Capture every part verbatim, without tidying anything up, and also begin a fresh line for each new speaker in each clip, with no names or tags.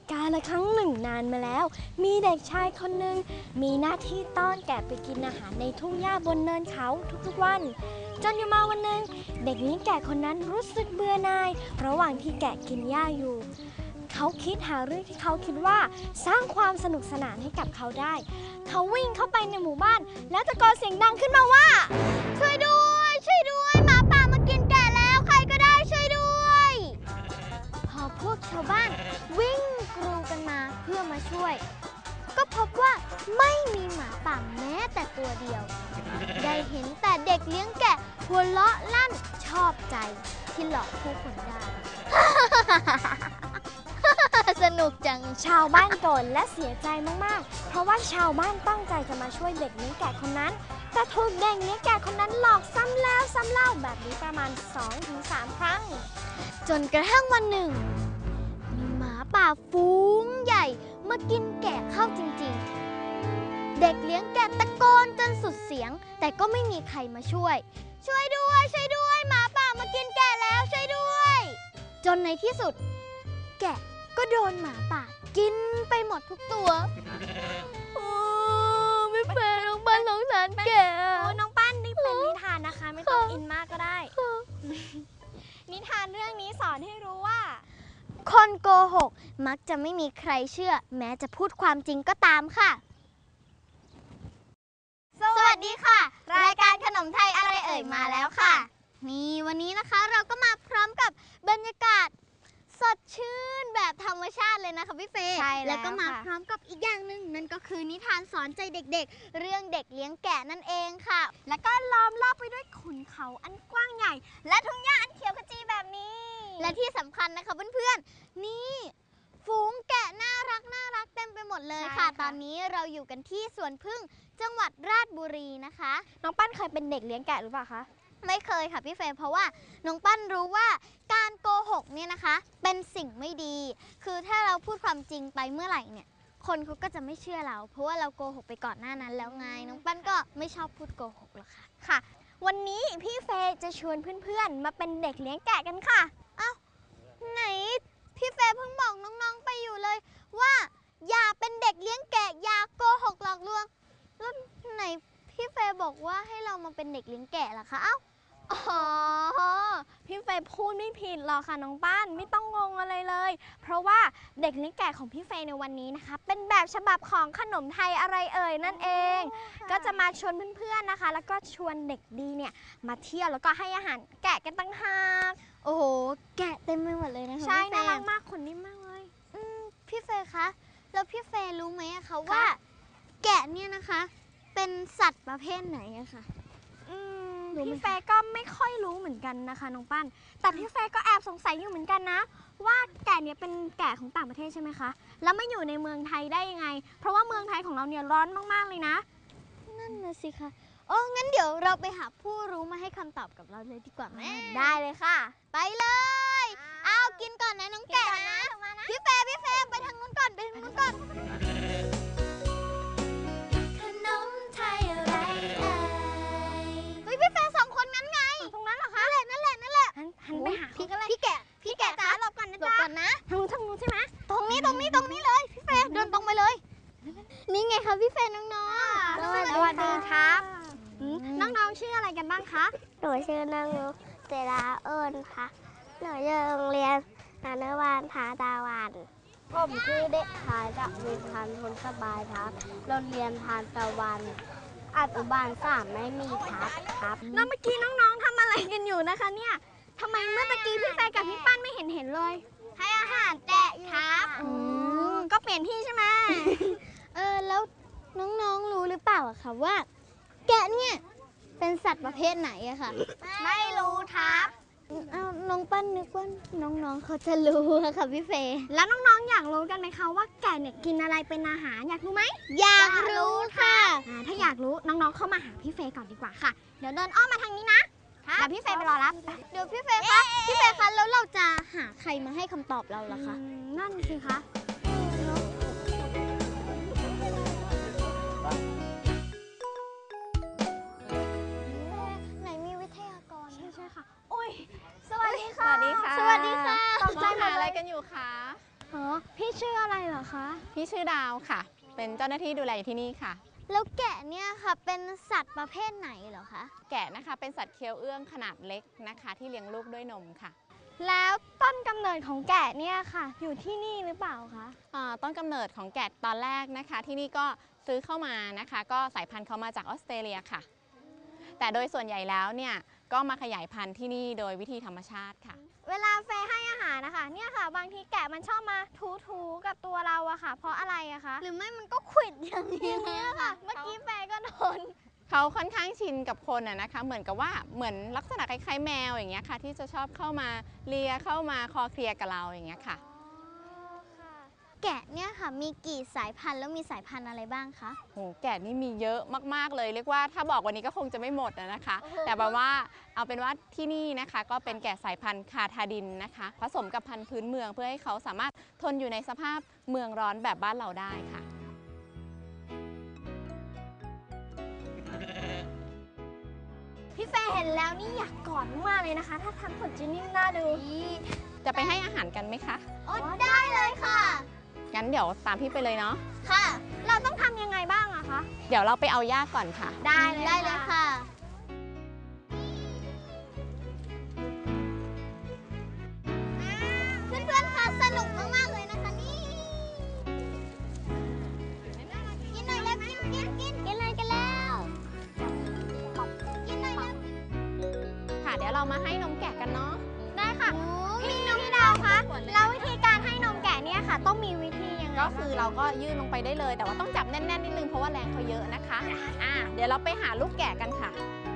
กาลครั้งหนึ่งนานมาแล้วมีเด็กชายคนหนึ่งมีหน้าที่ต้อนแกะไปกินอาหารในทุ่งหญ้าบนเนินเขาทุกๆวันจนอยู่มาวันหนึ่งเด็กเลี้ยงแกะคนนั้นรู้สึกเบื่อหน่ายระหว่างที่แกะกินหญ้าอยู่เขาคิดหาเรื่องที่เขาคิดว่าสร้างความสนุกสนานให้กับเขาได้เขาวิ่งเข้าไปในหมู่บ้านแล้วตะโกนเสียงดังขึ้นมาว่าช่วยด้วยช่วยด้วยหมาป่ามากินแกะแล้วใครก็ได้ช่วยด้วยพอพวกชาวบ้านวิ่งกรูกันมาเพื่อมาช่วยก็พบว่าไม่มีหมาป่าแม้แต่ตัวเดียวได้เห็นแต่เด็กเลี้ยงแกะหัวเราะลั่นชอบใจที่หลอกผู้คนได้ สนุกจังชาวบ้านโกรธและเสียใจมากๆเพราะว่าชาวบ้านตั้งใจจะมาช่วยเด็กเลี้ยงแกะคนนั้นแต่ถูกเด็กเลี้ยงแกะคนนั้นหลอกซ้ำแล้วซ้ำเล่าแบบนี้ประมาณ สองถึงสาม ครั้งจนกระทั่งวันหนึ่งมีหมาป่าฝูงใหญ่มากินแกะเข้าจริงๆเด็กเลี้ยงแกะตะโกนจนสุดเสียงแต่ก็ไม่มีใครมาช่วยช่วยด้วยช่วยด้วยหมาป่ามากินแกะแล้วช่วยด้วยจนในที่สุดแกะก็โดนหมาป่ากินไปหมดทุกตัวโอ้ไม่แฟร์น้องปั้นสงสารแกโอ้น้องปั้นนี่เป็นนิทานนะคะไม่ต้องอินมากก็ได้นิทานเรื่องนี้สอนให้รู้ว่าคนโกหกมักจะไม่มีใครเชื่อแม้จะพูดความจริงก็ตามค่ะสวัสดีค่ะรายการขนมไทยอะไรเอ่ยมาแล้วค่ะนี่วันนี้นะคะเราก็มาพร้อมกับบรรยากาศสดชื่นแบบธรรมชาติเลยนะคะพี่เฟย์ใช่แล้วก็มาพร้อมกับอีกอย่างหนึ่งนั่นก็คือนิทานสอนใจเด็กๆเรื่องเด็กเลี้ยงแกะนั่นเองค่ะแล้วก็ล้อมรอบไปด้วยขุนเขาอันกว้างใหญ่และทุ่งหญ้าอันเขียวขจีแบบนี้และที่สำคัญนะคะเพื่อนๆนี่ฝูงแกะน่ารักน่ารักเต็มไปหมดเลยค่ะตอนนี้เราอยู่กันที่สวนผึ้งจังหวัดราชบุรีนะคะน้องปั้นเคยเป็นเด็กเลี้ยงแกะหรือเปล่าคะไม่เคยค่ะพี่เฟย์เพราะว่าน้องปั้นรู้ว่าการโกหกเนี่ยนะคะเป็นสิ่งไม่ดีคือถ้าเราพูดความจริงไปเมื่อไหร่เนี่ยคนเขาก็จะไม่เชื่อเราเพราะว่าเราโกหกไปก่อนหน้านั้นแล้วไงน้องปั้นก็ไม่ชอบพูดโกหกหรอกค่ะค่ะวันนี้พี่เฟย์จะชวนเพื่อนๆมาเป็นเด็กเลี้ยงแกะกันค่ะอ้าวไหนพี่เฟย์เพิ่งบอกน้องๆไปอยู่เลยว่าอย่าเป็นเด็กเลี้ยงแกะอย่าโกหกหลอกลวงแล้วไหนพี่เฟย์บอกว่าให้เรามาเป็นเด็กเลี้ยงแกะล่ะคะเอ้าอ๋อพี่เฟย์พูดไม่ผิดหรอกค่ะน้องปั้นไม่ต้องงงอะไรเลยเพราะว่าเด็กเลี้ยงแกะของพี่เฟย์ในวันนี้นะคะเป็นแบบฉบับของขนมไทยอะไรเอ่ยนั่นเองก็จะมาชวนเพื่อนๆนะคะแล้วก็ชวนเด็กดีเนี่ยมาเที่ยวแล้วก็ให้อาหารแกะกันตั้งหากโอ้โหแกะเต็มไปหมดเลยนะคะใช่น่ารักมากขนนิ่มมากเลยอืมพี่เฟย์คะแล้วพี่เฟย์รู้ไหมอะคะว่าแกะเนี่ยนะคะเป็นสัตว์ประเภทไหนอะคะพี่เฟย์ก็ไม่ค่อยรู้เหมือนกันนะคะน้องปั้นแต่พี่เฟย์ก็แอบสงสัยอยู่เหมือนกันนะว่าแกะเนี่ยเป็นแกะของต่างประเทศใช่ไหมคะแล้วไม่อยู่ในเมืองไทยได้ยังไงเพราะว่าเมืองไทยของเราเนี่ยร้อนมากๆเลยนะนั่นน่ะสิคะโอ้งั้นเดี๋ยวเราไปหาผู้รู้มาให้คำตอบกับเราเลยดีกว่าแม่ได้เลยค่ะไปเลยเอากินก่อนนะน้องแกะนะพี่เฟย์พี่เฟย์ไปทางนู้นก่อนไปทางนู้นก่อนพี่แฟนสองคนนั้นไงตรงนั้นเหรอคะนั่นแหละนั่นแหละนั่นแหละหันไปหาพี่พี่แกะพี่แกะจ้าหลบก่อนนะจ๊ะหลบก่อนนะทางนู้นทางนู้นใช่ไหมตรงนี้ตรงนี้ตรงนี้เลยพี่แฟนเดินตรงไปเลยนี่ไงคะพี่แฟนน้องๆสวัสดีครับน้องๆชื่ออะไรกันบ้างคะ
หนูชื่อนางนุกเจราเอิญค่ะหนูอยู่โรงเรียนอนุบาลผาตาวันผมชื่อเด็กชายดวินพันธ์พลสบายครับโรงเรียนทานตะวันอนุบาลสามไม่มีครับครับ
แล้วเมื่อกี้น้องๆทำอะไรกันอยู่นะคะเนี่ยทำไมเมื่อตะกี้พี่แฟนกับพี่ปั้นไม่เห็นเห็นเลย
ให้อาหารแกะครับ
ก็เปลี่ยนที่ใช่ไหม
เออแล้วน้องๆรู้หรือเปล่าคะว่าแกะเนี่ยเป็นสัตว์ประเภทไหนอะค่ะ
ไม่รู้ครับ
เอาน้องปั้นนึกว่าน้องๆเขาจะรู้ค่ะพี่เฟย์
แล้วน้องๆอยากรู้กันไหมคะว่าแกะเนี่ยกินอะไรเป็นอาหารอยากรู้ไหม
อยากรู้ค่ะ
ถ้าอยากรู้น้องๆเข้ามาหาพี่เฟย์ก่อนดีกว่าค่ะเดี๋ยวเดินอ้อมมาทางนี้นะเดี๋ยวพี่เฟย์ไปรอรับ
เดี๋ยวพี่เฟย์คะพี่เฟย์คะแล้วเราจะหาใครมาให้คำตอบเราล่ะคะ
นั่นสิคะ
ไหนมีวิทยากร
ใช่ใช่ค่ะโอ้ยสวัสดีค่ะ
สวัสดีค่ะ
สวัสดีค่ะ
ตกใจหาอะไรกันอยู่คะ
อ๋อพพี่ชื่ออะไรเหรอคะ
พี่ชื่อดาวค่ะ เป็นเจ้าหน้าที่ดูแลอยู่ที่นี่ค่ะ
แล้วแกะเนี่ยค่ะเป็นสัตว์ประเภทไหนเหรอคะ
แกะนะคะเป็นสัตว์เคี้ยวเอื้องขนาดเล็กนะคะ ที่เลี้ยงลูกด้วยนมค่ะ
แล้วต้นกำเนิดของแกะเนี่ยค่ะ อยู่ที่นี่หรือเปล่าคะ
อ่าต้นกำเนิดของแกะตอนแรกนะคะ ที่นี่ก็ซื้อเข้ามานะคะ ก็สายพันธุ์เขามาจากออสเตรเลียค่ะ แต่โดยส่วนใหญ่แล้วเนี่ยก็มาขยายพันธุ์ที่นี่โดยวิธีธรรมชาติค่ะ
เวลาเฟย์ให้อาหารนะคะเนี่ยค่ะ บางทีแกะมันชอบมาถูๆกับตัวเราอะค่ะ เพราะอะไรอะคะ
หรือไม่มันก็ขวิดอย่างนี้
เนี่ยค่ะ เมื่อกี้เฟย์ก็โดน
เขาค่อนข้างชินกับคนอะนะคะ เหมือนกับว่าเหมือนลักษณะคล้ายๆแมวอย่างเงี้ยค่ะ ที่จะชอบเข้ามาเลียเข้ามาคอเคลียร์กับเราอย่างเงี้ยค่ะ
แกะเนี่ยค่ะมีกี่สายพันธุ์แล้วมีสายพันธุ์อะไรบ้างคะ
โหแกะนี่มีเยอะมากๆเลย เรียกว่าถ้าบอกวันนี้ก็คงจะไม่หมดอะนะคะ แต่แบบว่าเอาเป็นว่าที่นี่นะคะก็เป็นแกะสายพันธุ์คาทาดินนะคะ ผสมกับพันธุ์พื้นเมืองเพื่อให้เขาสามารถทนอยู่ในสภาพเมืองร้อนแบบบ้านเราได้ค่ะ
พี่เฟย์เห็นแล้วนี่อยากกอดมากเลยนะคะ ถ้าทำขนจินิ่มน่าดู
จะไปให้อาหารกันไหมคะ
โอ้ได้เลยค่ะ
งั้นเดี๋ยวตามพี่ไปเลยเนาะ
ค่ะ
เราต้องทำยังไงบ้างอะคะ
เดี๋ยวเราไปเอาหญ้าก่อนค่ะ
ได้เลย
ได้เลยค่ะ เพื่อนๆคะสนุกมากๆเลยนะคะนี่ กินหน่อยแล้วกินกินกินกินเลยกันแล้ว กินหน่อยแล้ว
ค่ะ เดี๋ยวเรามาให้นมแกะกันเนาะ
ได้ค่ะ พี่น้องดาวคะแล้ววิธีการให้นมแกะเนี่ยค่ะ ต้องมีวิธียังไง
ก็คือเราก็ยื่นลงไปได้เลย แต่ว่าต้องจับแน่นๆนิดนึงเพราะว่าแรงเขาเยอะนะคะ อ่า เดี๋ยวเราไปหาลูกแกะกันค่ะ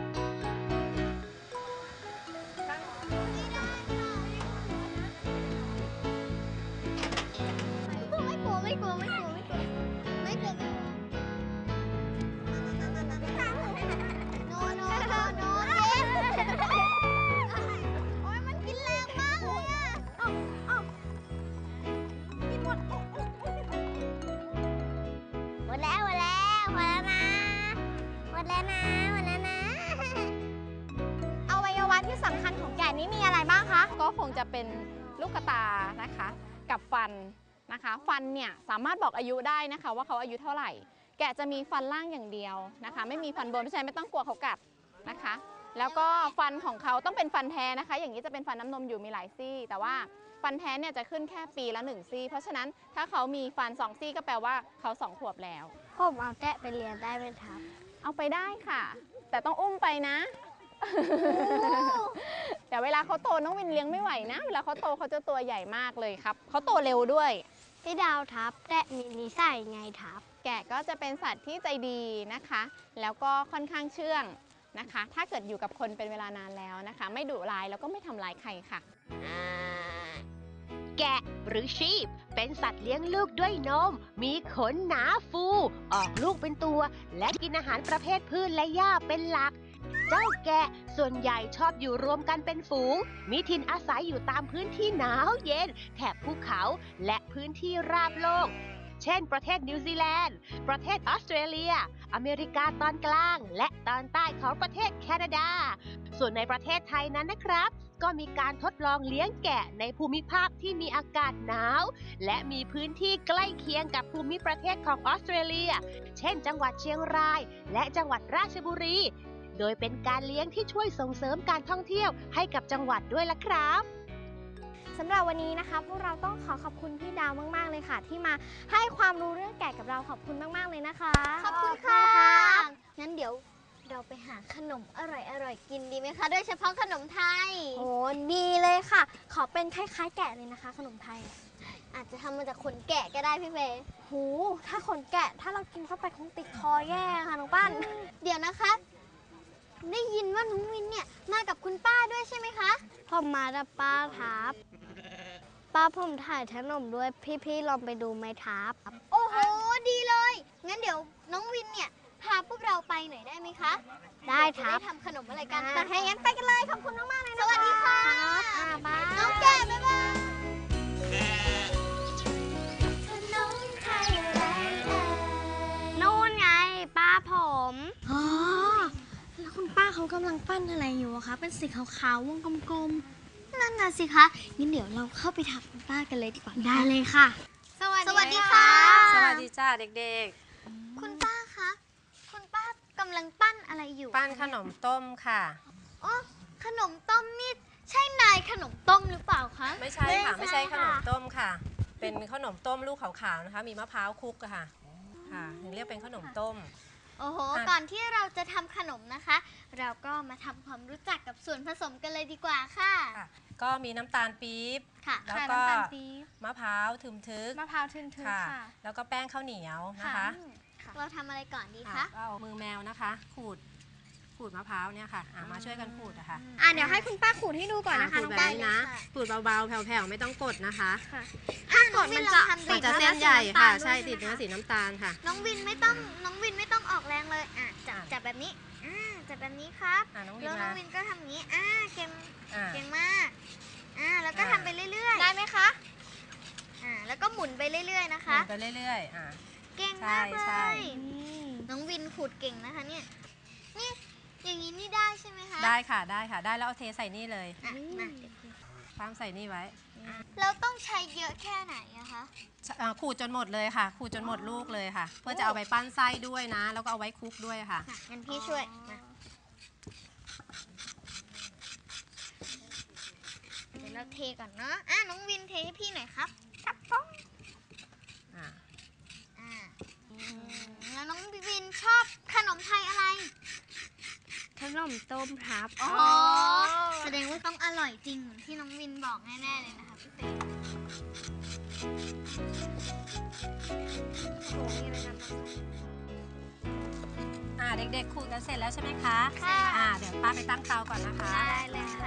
ไม่กลัวไม่กลัวไม่กลัวไม่กลัวไม่กลัวไม่กลัวโนโนโนโนโอ้ยมันกินแรงมากเลยอ่ะ
กินหมด
หมดแล้วหมดแล้วหมดแล้วนะหมดแล้วนะหมดแล้วนะ
อวัยวะที่สำคัญของแกะนี้มีอะไรบ้างคะ
ก็คงจะเป็นลูกกระตานะคะ กับฟันนะคะ ฟันเนี่ยสามารถบอกอายุได้นะคะ ว่าเขาอายุเท่าไหร่ แกะจะมีฟันล่างอย่างเดียวนะคะ ไม่มีฟันบนเพราะฉะนั้นไม่ต้องกลัวเขากัดนะคะ แล้วก็ฟันของเขาต้องเป็นฟันแท้นะคะ อย่างนี้จะเป็นฟันน้ำนมอยู่มีหลายซี่ แต่ว่าฟันแท้เนี่ยจะขึ้นแค่ปีละหนึ่งซี่ เพราะฉะนั้นถ้าเขามีฟันสองซี่ก็แปลว่าเขาสองขวบแล้ว
ผมเอาแกะไปเรียนได้ไหมครับ
เอาไปได้ค่ะ แต่ต้องอุ้มไปนะ แต่เวลาเขาโตน้องวินเลี้ยงไม่ไหวนะ เวลาเขาโตเขาจะตัวใหญ่มากเลยครับเขาโตเร็วด้วย
พี่ดาวทับแกะมีนิสัยไงทับ
แกะก็จะเป็นสัตว์ที่ใจดีนะคะ แล้วก็ค่อนข้างเชื่องนะคะ ถ้าเกิดอยู่กับคนเป็นเวลานานแล้วนะคะ ไม่ดุร้ายแล้วก็ไม่ทำร้ายใครค่ะ
แกะหรือชีพเป็นสัตว์เลี้ยงลูกด้วยนม มีขนหนาฟู ออกลูกเป็นตัว และกินอาหารประเภทพืชและหญ้าเป็นหลัก เจ้าแกะส่วนใหญ่ชอบอยู่รวมกันเป็นฝูง มีถิ่นอาศัยอยู่ตามพื้นที่หนาวเย็น แถบภูเขาและพื้นที่ราบโลก เช่น ประเทศนิวซีแลนด์ ประเทศออสเตรเลีย อเมริกาตอนกลาง และตอนใต้ของประเทศแคนาดา ส่วนในประเทศไทยนั้นนะครับ ก็มีการทดลองเลี้ยงแกะในภูมิภาคที่มีอากาศหนาว และมีพื้นที่ใกล้เคียงกับภูมิประเทศของออสเตรเลีย เช่น จังหวัดเชียงราย และจังหวัดราชบุรี โดยเป็นการเลี้ยงที่ช่วยส่งเสริมการท่องเที่ยวให้กับจังหวัดด้วยล่ะครับ
สำหรับวันนี้นะคะพวกเราต้องขอขอบคุณพี่ดาวมากๆเลยค่ะ ที่มาให้ความรู้เรื่องแกะกับเราขอบคุณมากๆเลยนะคะ
ขอบคุณค่ะ งั้นเดี๋ยวเราไปหาขนมอร่อยๆกินดีไหมคะ โดยเฉพาะขนมไทย
โอ้ดีเลยค่ะ ขอเป็นคล้ายๆแกะเลยนะคะ ขนมไทย
อาจจะทำมาจากขนแกะก็ได้พี่เฟย์
หูถ้าขนแกะถ้าเรากินเข้าไปคงติดคอแย่ค่ะน้องปั้น
เดี๋ยวนะคะ ได้ยินว่าน้องวินเนี่ยมากับคุณป้าด้วยใช่ไหมคะ
ผมมาดับป้าทับป้าผมถ่ายขนมด้วยพี่ๆลองไปดูไหมทับ
โอ้โห ดีเลย งั้นเดี๋ยวน้องวินเนี่ยพาพวกเราไปหน่อยได้ไหมคะ
ได้
จะ
ทับ
ได้ทำขนมอะไรกัน
อ่า
แต่ให้งั้นไปกันเลย ขอบคุณมากๆเลยนะคะ สวัสดีค่ะ
อ่าบาย
น้องแกะบ๊ายบายขนมไทยอะไรเอ่ย
นู่นไงป้าผมอ๋อแล้วคุณป้าเขากำลังปั้นอะไรอยู่อะคะ เป็นสีขาวๆวงกลม
นั่นน่ะสิคะ งั้นเดี๋ยวเราเข้าไปถามคุณป้ากันเลยดีกว่า
ๆ ได้เลยค่ะ
สวัสดีค่ะ
สวัสดีจ้าเด็ก
คุณป้าคะ คุณป้ากำลังปั้นอะไรอยู่
ๆ ปั้นขนมต้มค่ะ
อ๋อขนมต้มนี่ใช่นายขนมต้มหรือเปล่าคะ
ไม่ใช่ค่ะ ไม่ใช่ขนมต้มค่ะ เป็นขนมต้มลูกขาวๆนะคะ มีมะพร้าวคลุกอะค่ะค่ะถึงเรียกเป็นขนมต้ม
โอ้โห
อ่ะ
ก่อนที่เราจะทำขนมนะคะ เราก็มาทำความรู้จักกับส่วนผสมกันเลยดีกว่าค่ะ
ค่ะ ก็มีน้ำตาลปี๊บ
ค่ะ
แล้ว
ค่ะ
ก็
น้ำตาลปี๊บ
มะพร้าวทึมทึก
มะพร้าวทึนๆ
ค่ะ
ค่ะ
แล้วก็แป้งข้าวเหนียวนะคะ
อืมเราทำอะไรก่อนดี
อ่ะ
คะ
ก็เอามือแมวนะคะ ขูด ขูดมะพร้าวเนี่ยค่ะอ่ะมาช่วยกันขูดอะค่ะ
อ่ะเดี๋ยวให้คุณป้าขูดให้ดูก่อนนะคะ
ขู
น้
ด
อง
แบบ
ป้า
นี้นะ ขูดเบาๆ แผ่วๆ ไม่ต้องกดนะคะ
ถ้ากดมันจะ
มันจะเส้นใหญ่ค่ะ ใช่ ติดเนื้อสีน้ำตาลค่ะ
น้องวินไม่ต้องน้องวินไม่ต้องออกแรงเลยอ่ะจับจับแบบนี้อ่าจับแบบนี้ครับ
อ่ะน้องวิน
แล้วน้อง
มา
วินก็ทำอย่างนี้อ่าเก่ง
อ่ะ
เก่งมากอ่าแล้วก็
อ่า
ทำไปเรื่อยๆได้ไหมคะอ่าแล้วก็หมุนไปเรื่อยๆนะ
หมุ
คะ
นไปเรื่อยๆอ่ะ
เก่งมากเล
ใช่
ยน้องวินขูดเก่งนะคะเนี่ยนี่อย่างนี้นี่ได้ใช่ไหมคะ
ได้ค่ะ ได้ค่ะ ได้แล้วเอาเทใส่นี่เลย
อ่ะมา
ปั้มใส่นี่ไว้
เราต้องใช้เยอะแค่ไหนอะคะ
อ่าขูดจนหมดเลยค่ะ ขูดจนหมดลูกเลยค่ะ เพื่อจะเอาไปปั้นไส้ด้วยนะ แล้วก็เอาไว้คลุกด้วยค่ะ
ค่ะงั้นพี่ช่วยมาเดี๋ยวเราเทก่อนเนาะอ่ะน้องวินเทให้พี่หน่อยครับครับผม
อ่า
อ่าแล้วน้องวินชอบขนมไทยอะไร
ขนมต้มครับ
อ๋อ แสดงว่าต้องอร่อยจริงเหมือนที่น้องวินบอกแน่ๆเลยนะคะพี่เต้โอ้โหมีอะไรนำมา
อ่าเด็กๆขูดกันเสร็จแล้วใช่ไหมคะ
ค่ะ
อ่าเดี๋ยวป้าไปตั้งเตาก่อนนะคะ
ได้เลยค่ะ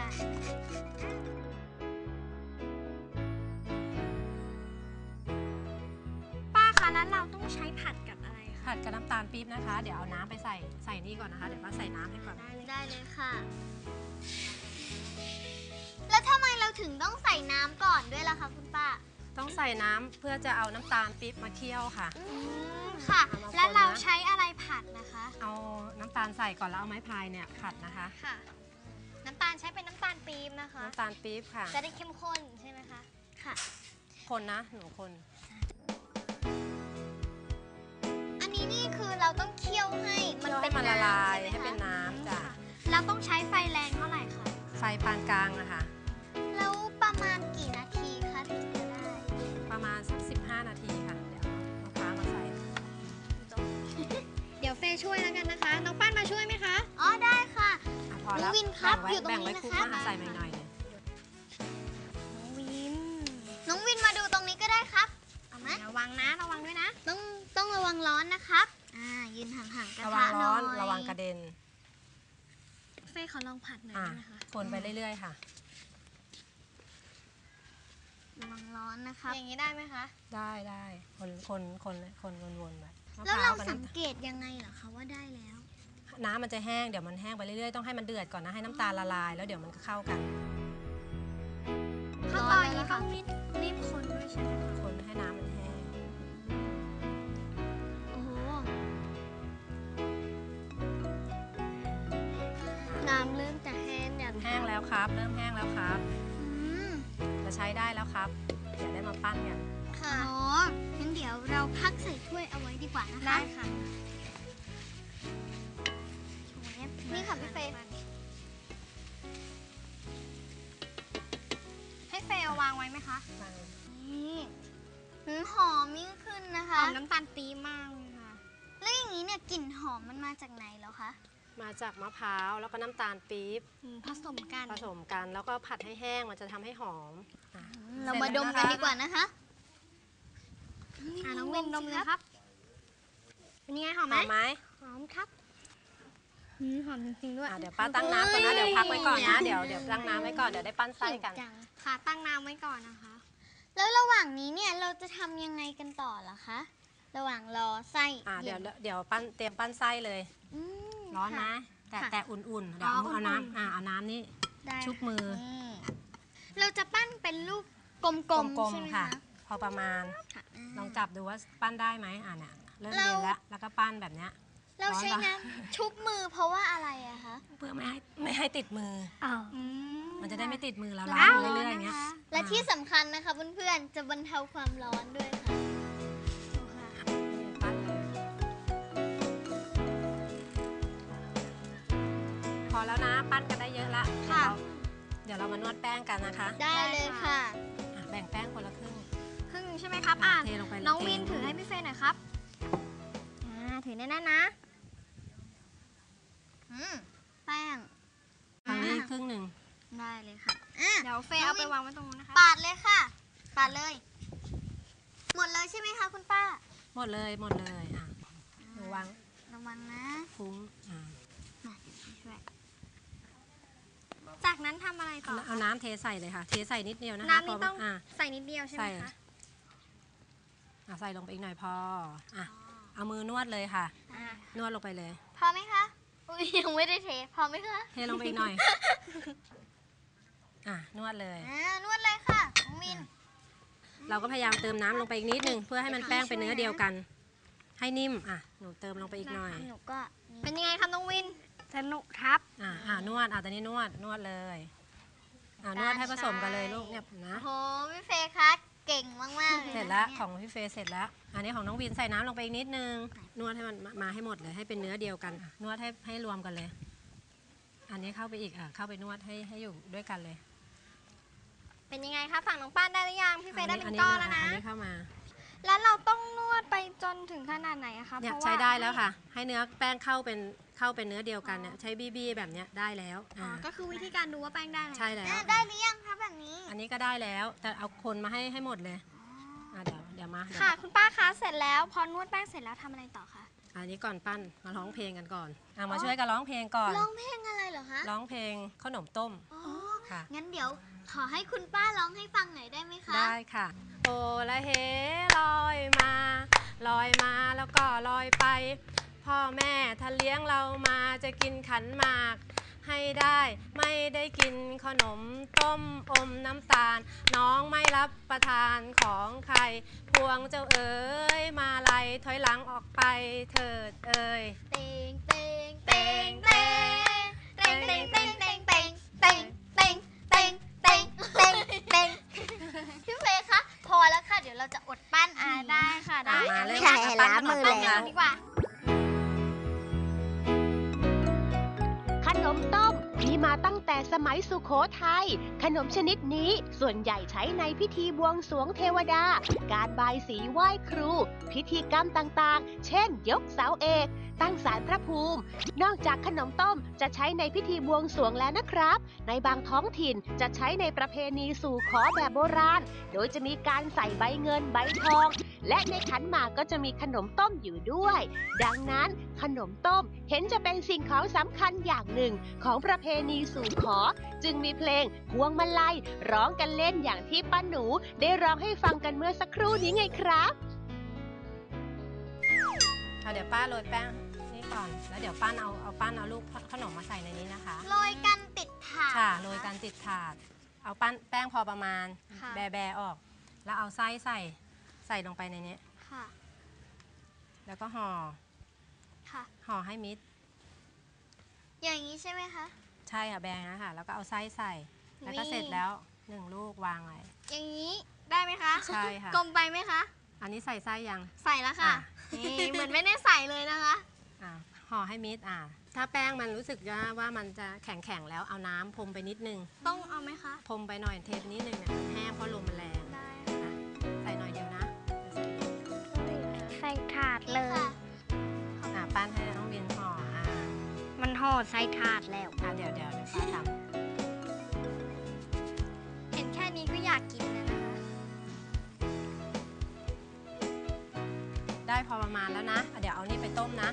ป้าคะแล้วเราต้องใช้ผัดกับอะไรคะ
ผัดกับน้ำตาลปี๊บนะคะ เดี๋ยวเอาน้ำไปใส่ใส่นี่ก่อนนะคะ เดี๋ยวป้าใส่น้ำให้ก่อน
ได้เลยค่ะ แล้วทำไมเราถึงต้องใส่น้ำก่อนด้วยล่ะคะคุณป้า
ต้องใส่น้ำเพื่อจะเอาน้ำตาลปี๊บมาเคี่ยวค่ะ
อืมค่ะ
เอามาคนนะ
แล้วเราใช้อะไรผัดนะคะ
เอาน้ำตาลใส่ก่อนแล้วเอาไม้พายเนี่ยผัดนะคะ
ค่ะ น้ำตาลใช้เป็นน้ำตาลปี๊บนะคะ
น้ำตาลปี๊บค่ะ
จะได้เข้มข้นใช่ไหมคะ ค่ะ
คนนะหนูคน
อันนี้นี่คือเราต้องเคี่ยวให้มัน
เคี่ยว
เป็
ให้
น
มันละลาย
ำช่ไม
ให้เป็น
คะ
น้ำจ้ะ
เราต้องใช้ไฟแรงเท่าไหร่คะ
ไฟปานกลางนะคะ
แล้วประมาณกี่นาทีคะถึงจะได้
ประมาณสักสิบห้านาทีค่ะ เดี๋ยวเอามะพร้าวมาใส่
เดี๋ยวเฟย์ช่วยแล้วกันนะคะ น้องป้านมาช่วยไหมคะ
อ๋อได้ค่ะ
อ่ะพอแล้ว
น้องวินครับ
แบ่งไว้
อยู่ตรงนี้
แบ่งไว้
นะคะ
คลุกมาใส่หน่อยๆเนี่ย
วิน น้องวินมาดูตรงนี้ก็ได้ครับ เอาไหม
ระวังนะ ระวังด้วยนะ
ต้องต้องระวังร้อนนะครับ อ่า ยืนห่างๆกระ
ระวั
ทะ
ง
หน่
ร้
อ
อน
ย
ระวังกระเด็น
เฟย์ขอลองผัดหน่อย
อ่ะ
ได้ไหมคะ
คนไปเรื่อยๆค่ะ
ระวังร้อนนะครับ
อย่างนี้ได้ไหมคะ
ได้ได้คนคนคนคนวนๆไปมะ
แล้ว
พร้า
เรา
วกับ
สัง
น้ำ
เกตยังไงเหรอคะว่าได้แล้ว
น้ำมันจะแห้งเดี๋ยวมันแห้งไปเรื่อยๆต้องให้มันเดือดก่อนนะให้น้ำตาลละลายแล้วเดี๋ยวมันก็เข้ากัน
ขั้นตอนนี้ต้องรีบรีบคนด้วยใช่ไหมคะ
คนให้น้ำมันแห้ง
โอ้โห
น้ำเริ่มจะแห้งอย่าง
แห้งแล้วครับ เริ่มแห้งแล้วครับ
อืม
จะใช้ได้แล้วครับเดี๋ยวได้มาปั้นกัน
ค่ะอ๋องั้นเดี๋ยวเราพักใส่ถ้วยเอาไว้ดีกว่านะคะ
ได้ค่ะ
นี่ค่ะพี่เฟย์
ให้เฟย์เอาวางไว้ไหมคะ
นี่หืมหอมยิ่งขึ้นนะ
ห
คะ
อมน้ำตาลปี๊บมากเลยค่ะ
แล้วอย่างนี้เนี่ยกลิ่นหอมมันมาจากไหนแล้วคะ
มาจากมะพร้าวแล้วก็น้ำตาลปี๊บ
ผสมกัน
ผสมกันแล้วก็ผัดให้แห้งมันจะทำให้หอมอ่ะ
เรามาดมกันดีกว่านะคะ
อ่ะน้องวินดมเลยครับ เป็นยังไงหอม
ห
ไหม
อมไหม
หอมครับอืมหอมจริงๆด้วย
อ่ะเดี๋ยวป้าตั้งน้ำก่อนนะเดี๋ยวพักไว้ก่อนนะเดี๋ยวเดี๋ยวตั้งน้ำไว้ก่อนเดี๋ยวได้ปั้นไส้กัน
จัง
ค่ะตั้งน้ำไว้ก่อนนะคะ
แล้วระหว่างนี้เนี่ยเราจะทำยังไงกันต่อล่ะคะ ระหว่างรอไส้
อ่ะเดี๋ยว
น
เดี๋ยวปั้นเตรียมปั้นไส้เลย
อืม
ร้อนนะ
ค่ะ
แต่
ค่ะ
แต่อุ่นๆเดี๋ยวเอา
อ๋อ
เอา
อุ่นๆ
น้ำอ่ะเอาน้ำนี่
ได้
ชุบมือ
อืมเราจะปั้นเป็นลูกกลม
ก
ๆ
ลม
ใช่ไหม
ๆค่ะ
คะ
พอประมาณ
ค่ะา
ลองจับดูว่าปั้นได้ไหมอ่ะเนี่ยเริ่ม
เรา
เย็นแล้วแล้วก็ปั้นแบบเนี้ย
เราใช้
ร้อนปะ
น้ำชุบมือเพราะว่าอะไรอะคะ
เพื่อไม่ให้ไม่ให้ติดมือ
อ้าว
มันจะได้ไม่ติดมือเรา
ร้
ล้าง
อน
อยู่เรื่อยๆอย่างเงี้ย
และที่สำคัญนะคะเพื่อนๆจะบรรเทาความร้อนด้วยค่ะ
อแล้วนะปั้นกันได้เยอะละ
ค่ะ
เดี๋ยวเราเดี๋ยวเรามานวดแป้งกันนะคะ
ได้เลยค่ะ
อ่ะแบ่งแป้งคนละครึ่ง
ครึ่งใช่ไหมครับอ่ะ
เทลงไปเลย
น้องวินถือให้พี่เฟย์หน่อยครับอ่าถือแน่นๆนะอืมแป้ง
ทางนี้ครึ่งหนึ่ง
ได้เลยค่ะเดี๋ยวเฟย์เอาไปวางไว้ตรงนู้นนะคะ
ปาดเลยค่ะ ปาดเลย หมดเลยใช่ไหมคะคุณป้า
หมดเลยหมดเลยอ่ะหนูวาง
ระวังนะ
ฟุ้งอ่ะ
ช่วยจากนั้นทำอะไรต่อ
เอาน้ำเทใส่เลยค่ะ เทใส่นิดเดียวนะคะ
น้ำนี่
พ
ต้อง
อ่ะ
ใส่นิดเดียวใช่ไหม
ใส่
คะ
อ่ะใส่ลงไปอีกหน่อยพออ่ะเอามือนวดเลยค่ะ
อ่ะ
นวดลงไปเลย
พอไหมคะอุ้ยยังไม่ได้เทพอไหมคะ
เทลงไปอีกหน่อยอ่ะนวดเลย
อ่านวดเลยค่ะน้องวิน
เราก็พยายามเติมน้ำลงไปอีกนิดนึงเพื่อให้มันแป้งเป็นเนื้อเดียวกัน ให้นิ่มอ่ะหนูเติมลงไปอีกหน่อย
หนูก็เป็นยังไงครับน้องวินสนุกครับ
อ่ะอ่ะนวดอ่ะตอนนี้นวดนวดเลยอ่ะนวดให้ผสมกันเลยลูกเนี่ยนะ
โอ้โหพี่เฟย์คะเก่งมากๆเลย
เสร็จแล้วของพี่เฟย์เสร็จแล้ว อันนี้ของน้องวินใส่น้ำลงไปอีกนิดนึงนวดให้มันมามาให้หมดเลยให้เป็นเนื้อเดียวกันอ่ะนวดให้ให้รวมกันเลย อันนี้เข้าไปอีกอ่ะเข้าไปนวดให้ให้อยู่ด้วยกันเลย
เป็นยังไงคะฝั่งน้องป้านได้หรือยังพี่เฟย์ได้เป็น
อั
ก้อนแล้ว
มา
นะ
อันนี้เข้ามา
แล้วเราต้องนวดไปจนถึงขนาดไหนอะคะ
เนี่ย
เพราะว่า
ใช้ได้แล้วค่ะ ให้เนื้อแป้งเข้าเป็นเข้าเป็นเนื้อเดียวกันเนี่ยใช้บี้บี้แบบเนี้ยได้แล้ว
อ๋อ
อ่า
ก็คือวิธีการดูว่าแป้งได้ไหม
ใช่แล้ว
ได้หรือยังคะแบบนี้
อันนี้ก็ได้แล้ว แต่เอาคนมาให้ให้หมดเลยอ่ะเดี๋ยวเดี๋ยวมาเดี๋ยว
ค่ะคุณป้าคะเสร็จแล้วพอนวดแป้งเสร็จแล้วทำอะไรต่อคะ
อันนี้ก่อนปั้นมาร้องเพลงกันก่อนอ่ะมาช่วยกันร้องเพลงก่อน
ร้องเพลงอะไรเหรอคะ
ร้องเพลงขนมต้ม
อ๋อ
ค่ะ
งั้นเดี๋ยวขอให้คุณป้าร้องให้ฟังหน่อยได้ไหมคะ
ได้ค่ะ โอละเฮลอยมาลอยมาแล้วก็ลอยไป พ่อแม่ถ้าเลี้ยงเรามาจะกินขันหมากให้ได้ไม่ได้กินขนมต้มอมน้ำตาล น้องไม่รับประทานของใคร พวงเจ้าเอ๋ยมาไล่ถอยหลังออกไปเถิดเอ๋ย
เต็งเต็งเต็งเต็งเต็งเต็งเต็งเต็งเต็งเต็งเต็งเต็งเต็งเต็งเต็งพี่เฟย์คะพอแล้วค่ะเดี๋ยวเราจะอดปั้นอ่าได้ค่ะได้
มาเริ่ม
ใช่
ปั้น
ล้าง
ขน
มือ
ต้
แล้ว
ดีกว่า
ขนมต้มมีมาตั้งแต่สมัยสุโขทัย ขนมชนิดนี้ส่วนใหญ่ใช้ในพิธีบวงสรวงเทวดา การบายสีไหว้ครู พิธีกรรมต่างๆ เช่น ยกเสาเอก ตั้งศาลพระภูมิ นอกจากขนมต้มจะใช้ในพิธีบวงสรวงแล้วนะครับ ในบางท้องถิ่นจะใช้ในประเพณีสู่ขอแบบโบราณ โดยจะมีการใส่ใบเงินใบทอง และในขันหมากก็จะมีขนมต้มอยู่ด้วย ดังนั้นขนมต้มเห็นจะเป็นสิ่งของสำคัญอย่างหนึ่งของประเพณีสู่ขอ จึงมีเพลงพวงมาลัยร้องกันเล่นอย่างที่ป้าหนูได้ร้องให้ฟังกันเมื่อสักครู่นี้ไงครับ
เอาเดี๋ยวป้าโรยแป้งนี่ก่อน แล้วเดี๋ยวป้าเอาเอาป้าเอาลูกขนมมาใส่ในนี้นะคะ
โรยกันติดถาด
ค่ะโรยกันติดถาด เอาปั้นแป้งพอประมาณ
ค่ะ
แบแบออก แล้วเอาไส้ใส่ใส่ลงไปในนี้
ค่ะ
แล้วก็ห่อ
ค่ะ
ห่อให้มิด
อย่างนี้ใช่ไหมคะ
ใช่ค่ะแบงนะคะแล้วก็เอาไส้ใส่ แล้วก็
นี่
เสร็จแล้วหนึ่งลูกวางไว้
อย่างนี้ได้ไหมคะ
ใช่ค่ะ
กลมไปไหมคะ
อันนี้ใส่ไส้ยัง
ใส่แล้วค่ะ
อ่ะ
นี่เหมือนไม่ได้ใส่เลยนะคะ
อ่าห่อให้มิดอ่าถ้าแป้งมันรู้สึกว่าว่ามันจะแข็งๆแล้วเอาน้ำพรมไปนิดนึง
ต้องเอาไหมคะ
พรมไปหน่อยเทปนิดนึงเนี่ยแห้งเพราะลมมันแรง
ได้
อ่ะใส่หน่อยเดียวนะ
ใส่ถาดเลย
อ่าปั้นให้น้องวินห่ออ่า
มันห่อใส่ถาดแล้ว
อ่าเดี๋ยวเดี๋ยวเดี๋ยวป้าท
เห็นแค่นี้ก็อยากกินแล้วนะคะ
ำได้พอประมาณแล้วนะอ่ะเดี๋ยวเอานี่ไปต้มนะ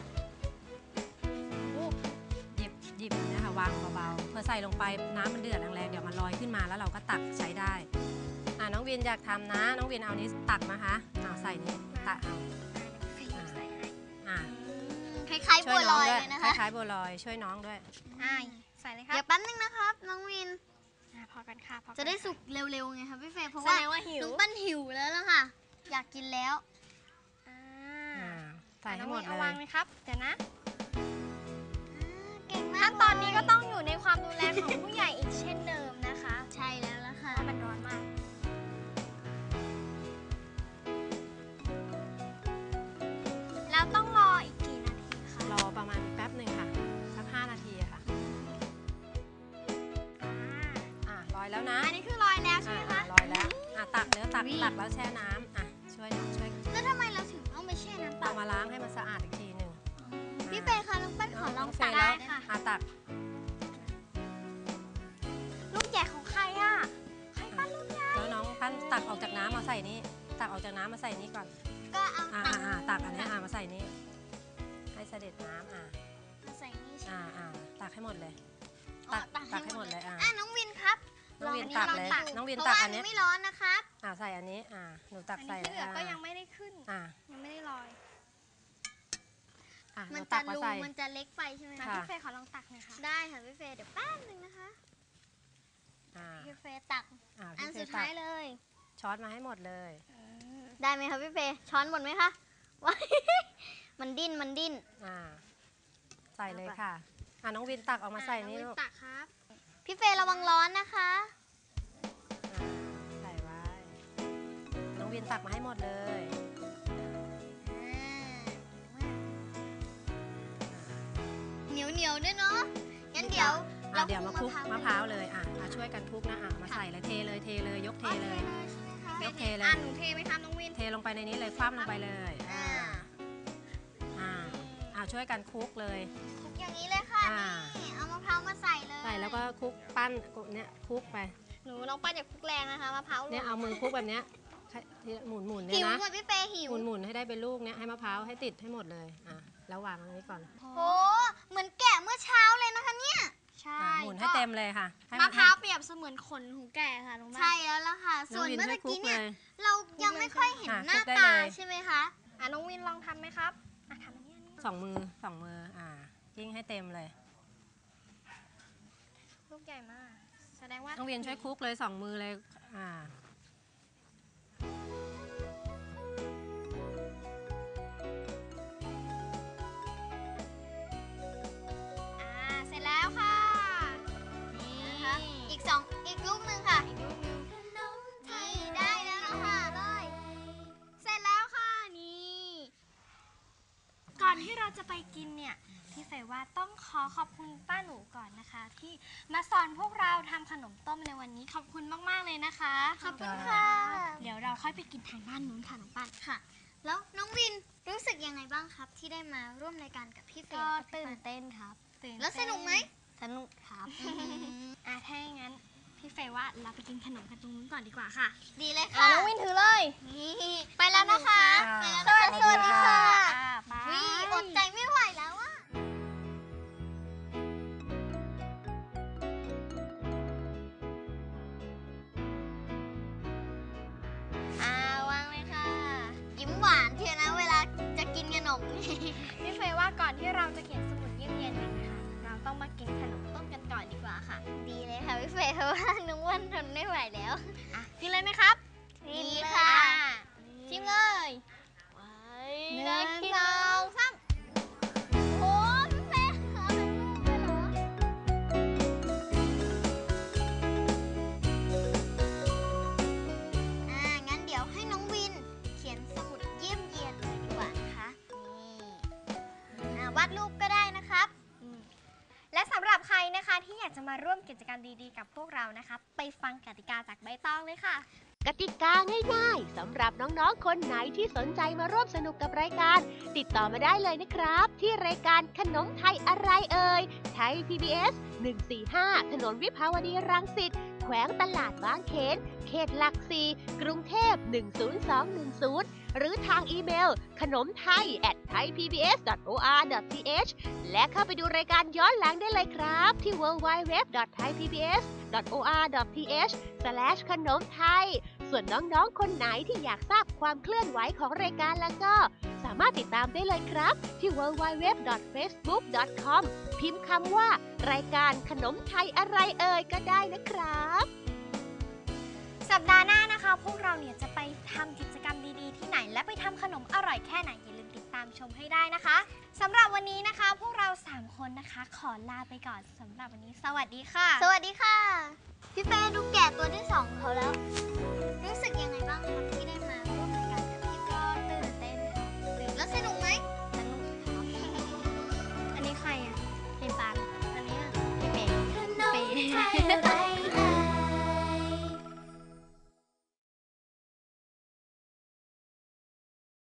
หยิบหยิบเนี่ยค่ะวางเบาๆเพื่อใส่ลงไปน้ำมันเดือดแรงๆเดี๋ยวมันลอยขึ้นมาแล้วเราก็ตักใช้ได้อ่าน้องวินอยากทำนะ น้องวินเอานี้ตักนะคะเอาใส่นี่ตักเอาอ่า
คล้ายๆ
ช่
บั
ว
วย ล
น้อง
อย
ด้วย
เลยนะ
ค
คะ
ล้ายๆบัวลอยช่วยน้องด้วย
อ่าใส่เลยครับ
เดี๋ยวแป๊บนึงนะครับ น้องวิน
อ่าพอกันค่ะพอกัน
จะได้สุกเร็วๆไงครับพี่เฟย์เพราะ
แส
ว่า
ดงว่าหิว
น้องปั้นหิวแล้วล่ะค่ะ อยากกินแล้ว
อ่า
อ่าใส่ให้
น้อง
หม
วิ
ด
น
เล
เอาวาง
ย
เลยครับ เดี๋ยวนะ
เก่งมาก
ขั้นตอนนี้ก็ต้องอยู่ในความดูแลของผู้ใหญ่อีกเช่นเดิมนะคะ
ใช่แล้วล่ะค่ะ
เพราะมันร้อนมาก แล้วต้องรออีกกี่นาทีคะ
รอประมาณแป๊บหนึ่งค่ะสักห้านาทีอะค่ะกตักแล้วแช่น้ำอ่ะช่วยช่วย
แล้วทำไมเราถึงต้องไปแช่น้ำเป
เอา
ล่า
มาล้างให้มันสะอาดอีกทีหนึ่ง
พี่เฟย์คะน้องปั้นขอลอง
เฟ
ตัก
ย์แล้ว
ได้ค่ะ
อ่ะตัก
ลูกใหญ่ของใครอ่ะใครปั้นลูกใหญ่
แล้วน้องปั้นตักออกจากน้ำมาใส่นี่ตักออกจากน้ำมาใส่นี่ก่อน
ก็เอา
อ่า
ตัก
อ่าตักอันนี้อ่ามาใส่นี่ให้เสด็จน้ำอ่า
มาใส่นี่ใช่
อ่า
ไหม
อ่าตักให้หมดเลย
อ๋อ
ตักตักให้หมดเลยอ่ะ
อ่ะน้องวินครับ
น้องวิน
ล
ตักเลย
ล
น้องวิน
เพ
ตั
ราะ
ก
ว่า
อันนี้
ไม่ร้อนนะครับ
อ่าใส่อันนี้อ่าหนูตักใส่
ที่เหลือก็
อ่า
ยังไม่ได้ขึ้น
อ่า
ยังไม่ได้ลอย
อ่ะห
มั
นู
น
ตั
จะ
กมา
รู
ใส่
มันจะเล็กไปใช่ไหม
ค่ะ
คะ
พี่เฟย์ขอลองตักหน่อยค่ะ
ได้ค่ะพี่เฟย์เดี๋ยวแป๊บนึงนะคะ
อ่า
พี่เฟย์ตัก
อ่า
อัน
พี่เฟ
สุด
ย์ตั
ท้าก ยเลย
ช้อนมาให้หมดเลย
ได้ไหมคะพี่เฟย์ช้อนหมดไหมคะว้าย มันดิ้นมันดิ้น
อ่าใส่เลยค่ะอ่าน้องวินตักออกมาใส่นี่
อ่ะ
ลูก
องวิตักครับ พี่เฟย์ระวังร้อนนะคะ
อ่าใส่ไว้ น้องวินตักมาให้หมดเลย
เหนียวเหนียวๆด้วยเนาะงั้นเดี๋ยว
อ่ะเดี๋ยวมาคลุกมะพร้าว
เลย
เลยอ่ะอ่ะช่วยกันคลุกนะอ่ะมาใส่เลยเทเลยเทเลยยกเทเลย ยกเทเลย
อ่ะหนูเทไหมคะน้องวิน
เทลงไปในนี้เลยคว่ำลงไปเลย
อ่า
อ่าอ่าอ่าช่วยกันคลุกเลย
คลุกอย่างนี้เลยค่ะ
อ่า
นี่เอามะพร้าวมาใส่เลย
ใส่แล้วก็คลุกปั้นเนี่ยคลุกไป
หนูน้องปั้นอย่าคลุกแรงนะคะมะพร้าว
เนี่ยเอามือคลุกแบบเนี้ยหมุนหมุนๆเนี่
หิ
ยว นะ
หมดพี่เฟย์หิว
หมุนหมุนๆให้ได้เป็นลูกเนี่ยให้มะพร้าวให้ติดให้หมดเลยอ่ะแล้ววางตรงนี้ก่อน
โอ้เหมือนแกะเมื่อเช้าเลยนะคะเนี่ย
ใช่
อ่ะหมุนให้เต็มเลยค่ะให้
มะพร้าวเปรียบเสมือนขนของแก่ค่ะน้องปั้น
ใช่แล้วล่ะค่ะ
น้
ส่
อง
วน
วิน
เมื่อ
ช่วยคลุ
กี้
ก
เนี่
เลย ย
เรายังไม่ค่อยเห็น
อ่ะ
หน้า
คลุกได้
ตา
เลย
ใช่ไหมคะ
อ่ะน้องวินลองทำไหมครับอ่ะทำอันนี้อันนี้
สองมือสองมืออ่ายิ่งให้เต็มเลย
ลูกใหญ่มาก แสดงว่า
น้องเวียนช่วยคลุกเลยสองมือเลยอ่า
อ่าเสร็จแล้วค่ะ นี่
นะคะอีกสองอีกลูกหนึ่งค่ะนี่ได้แล้วนะคะเลย
เสร็จแล้วค่ะนี่ ก่อนที่เราจะไปกินเนี่ยพี่เฟย์ว่าต้องขอขอบคุณป้าหนูก่อนนะคะ ที่มาสอนพวกเราทำขนมต้มในวันนี้ขอบคุณมากๆเลยนะคะ
ขอบคุณค่ะ
เดี๋ยวเราค่อยไปกินทางบ้านนู้นค่ะน้องปั้น
ค่ะ แล้วน้องวินรู้สึกยังไงบ้างครับ ที่ได้มาร่วมรายการกับพี่เฟย์
ก็
และพี่
ตื่น
ปั้น
เต้นครับตื่น
แล้วสนุกไหม
สนุกครับอ่ะถ้าอย่างนั้นพี่เฟย์ว่าเราไปกินขนมกันตรงนู้นก่อนดีกว่าค่ะ
ดีเลย
อ่ะ
ค่ะ
น้องวินถือเลย
นี่ไปแล้วนะคะ
ค่ะ
ไปแล้วนะคะสวัสดีค่ะ
อ่าไป
วิอดใจไม่ไหวแล้วอะอ่าวางเลยค่ะ ยิ้มหวานเชียวนะเวลาจะกินขนมนี่
พี่เฟย์ว่าก่อนที่เราจะเขียนสมุดเยี่ยมเยียนกันนะคะ เราต้องมากินขนมต้มกันก่อนดีกว่าค่ะ
ดีเลยค่ะพี่เฟย์เพราะว่าน้องอ้วันทนไม่ไหวแล้ว
อ่ะกินเลยไหมครับ
ดีค่ะ
ชิมเลยหนึ่งสองสาม
โอ้พี่เฟย์เอาทั้งลูกเลยเหรออ่างั้นเดี๋ยวให้น้องวินเขียนสมุดเยี่ยมเยียนเลยดีกว่านะคะนี่อ่าวาดรูปก็ได้นะครับ
และสำหรับใครนะคะที่อยากจะมาร่วมกิจกรรมดีๆกับพวกเรานะคะ ไปฟังกติกาจากใบตองเลยค่ะ
กติกาง่ายๆสำหรับน้องๆ คนไหนที่สนใจมาร่วมสนุกกับรายการ ติดต่อมาได้เลยนะครับ ที่รายการขนมไทยอะไรเอ่ยไทย พี บี เอส หนึ่งสี่ห้า ถนนวิภาวดีรังสิตแขวงตลาดบางเขนเขตหลักสี่กรุงเทพหนึ่งศูนย์สองหนึ่งศูนย์หรือทางอีเมลขนมไทย แอท ไทยพีบีเอส ดอท โอ อาร์ ดอท ที เอช และเข้าไปดูรายการย้อนหลังได้เลยครับ ที่ ดับเบิลยู ดับเบิลยู ดับเบิลยู ดอท ไทยพีบีเอส ดอท โอ อาร์ ดอท ที เอช สแลช ขนมไทย ส่วนน้องๆ คนไหนที่อยากทราบความเคลื่อนไหวของรายการแล้วก็ สามารถติดตามได้เลยครับ ที่ ดับเบิลยู ดับเบิลยู ดับเบิลยู ดอท เฟซบุ๊ก ดอท คอม พิมพ์คำว่า รายการขนมไทยอะไรเอ่ยก็ได้นะครับ
สัปดาห์หน้านะคะ พวกเราเนี่ยจะไปทำกิจกรรมดีๆที่ไหน และไปทำขนมอร่อยแค่ไหนอย่าลืมติดตามชมให้ได้นะคะสำหรับวันนี้นะคะ พวกเราสามคนนะคะ ขอลาไปก่อนสำหรับวันนี้ สวัสดีค่ะ
สวัสดีค่ะ พี่เฟย์ดูแกะตัวที่สองของเขาแล้ว รู้สึกยัง